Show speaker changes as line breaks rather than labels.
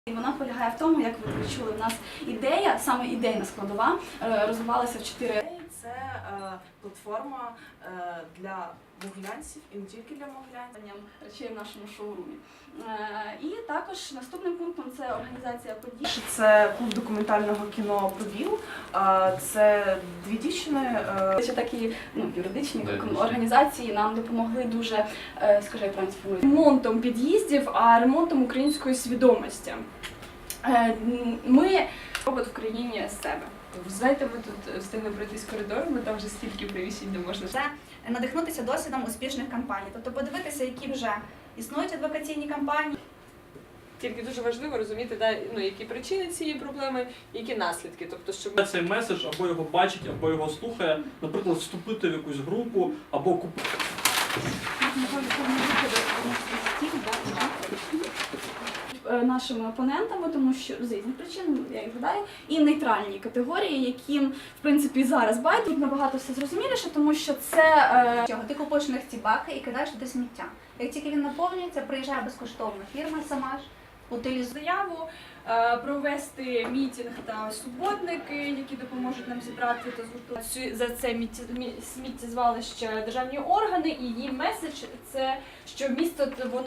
І вона полягає в тому, як ви чули, в нас ідея, саме ідейна складова, розвивалася в 4.
Це платформа для могилянців і не тільки для могилянців.
Речей в нашому шоурумі. І також наступним пунктом це організація подій.
Це клуб документального кіно «Поділ». Це дві дівчини.
Ще такі юридичні організації нам допомогли дуже, скажи, я правильно сформулюю,
Ремонтом під'їздів, а ремонтом української свідомості. Ми робот в країні з себе. Знаєте, ми тут встигли пройтись коридорами, там вже стільки приміщень, де можна.
Це надихнутися досвідом успішних кампаній, тобто подивитися, які вже існують адвокаційні кампанії.
Тільки дуже важливо розуміти, які причини цієї проблеми, які наслідки. Тобто, щоб
цей меседж або його бачить, або його слухає, наприклад, вступити в якусь групу, або купити.
Нашими опонентами, тому що з різних причин, я їх гадаю, і нейтральні категорії, яким, в принципі, зараз байдуть набагато все зрозуміліше, тому що це...
Ти купуєш в них ці баки і кидаєш туди сміття. Як тільки він наповнюється, приїжджає безкоштовно фірма сама ж, утилізує.
Заяву провести мітинг та суботники, які допоможуть нам зібрати та згуртувати за це сміттєзвалище державні органи, і її меседж – це, що місто, воно